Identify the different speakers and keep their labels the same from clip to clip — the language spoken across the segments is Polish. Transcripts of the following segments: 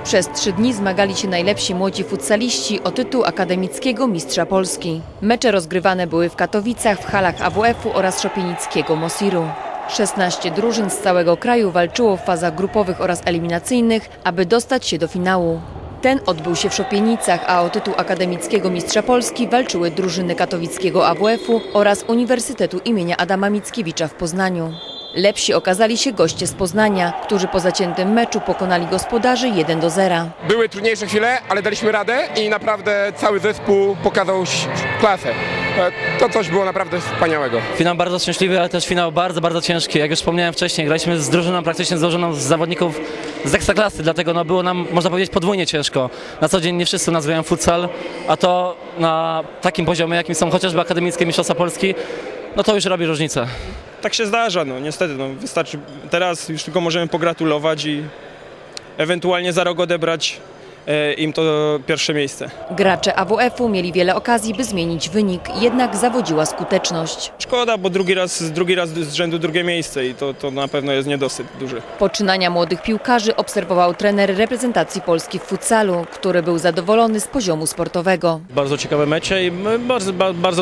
Speaker 1: Przez 3 dni zmagali się najlepsi młodzi futsaliści o tytuł akademickiego mistrza Polski. Mecze rozgrywane były w Katowicach, w halach AWF-u oraz szopienickiego Mosiru. 16 drużyn z całego kraju walczyło w fazach grupowych oraz eliminacyjnych, aby dostać się do finału. Ten odbył się w Szopienicach, a o tytuł akademickiego mistrza Polski walczyły drużyny katowickiego AWF-u oraz Uniwersytetu imienia Adama Mickiewicza w Poznaniu. Lepsi okazali się goście z Poznania, którzy po zaciętym meczu pokonali gospodarzy 1-0.
Speaker 2: Były trudniejsze chwile, ale daliśmy radę i naprawdę cały zespół pokazał klasę. To coś było naprawdę wspaniałego.
Speaker 3: Finał bardzo szczęśliwy, ale też finał bardzo, bardzo ciężki. Jak już wspomniałem wcześniej, graliśmy z drużyną praktycznie złożoną z zawodników z ekstraklasy, dlatego było nam, można powiedzieć, podwójnie ciężko. Na co dzień nie wszyscy nazywają futsal, a to na takim poziomie, jakim są chociażby akademickie mistrzostwa Polski, no to już robi różnicę.
Speaker 4: Tak się zdarza, no niestety, wystarczy, teraz już tylko możemy pogratulować i ewentualnie za rok odebrać im to pierwsze miejsce.
Speaker 1: Gracze AWF-u mieli wiele okazji, by zmienić wynik, jednak zawodziła skuteczność.
Speaker 4: Szkoda, bo drugi raz z rzędu drugie miejsce i to na pewno jest niedosyt duży.
Speaker 1: Poczynania młodych piłkarzy obserwował trener reprezentacji Polski w futsalu, który był zadowolony z poziomu sportowego.
Speaker 5: Bardzo ciekawe mecze i bardzo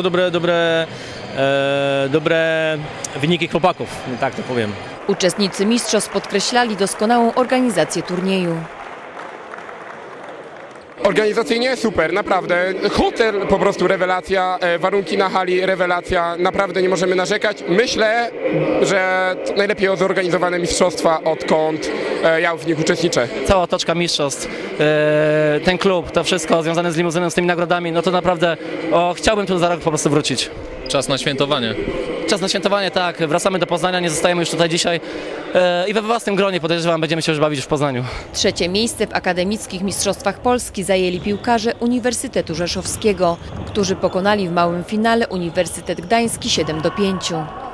Speaker 5: dobre wyniki chłopaków, tak to powiem.
Speaker 1: Uczestnicy mistrzostw podkreślali doskonałą organizację turnieju.
Speaker 2: Organizacyjnie super, naprawdę. Hotel po prostu rewelacja, warunki na hali rewelacja, naprawdę nie możemy narzekać. Myślę, że najlepiej zorganizowane mistrzostwa, odkąd ja w nich uczestniczę.
Speaker 3: Cała otoczka mistrzostw, ten klub, to wszystko związane z limuzyną, z tymi nagrodami, no to naprawdę chciałbym tu za rok po prostu wrócić.
Speaker 6: Czas na świętowanie.
Speaker 3: Czas na świętowanie, tak. Wracamy do Poznania, nie zostajemy już tutaj dzisiaj i we własnym gronie, podejrzewam, będziemy się już bawić w Poznaniu.
Speaker 1: 3. miejsce w akademickich mistrzostwach Polski zajęli piłkarze Uniwersytetu Rzeszowskiego, którzy pokonali w małym finale Uniwersytet Gdański 7-5.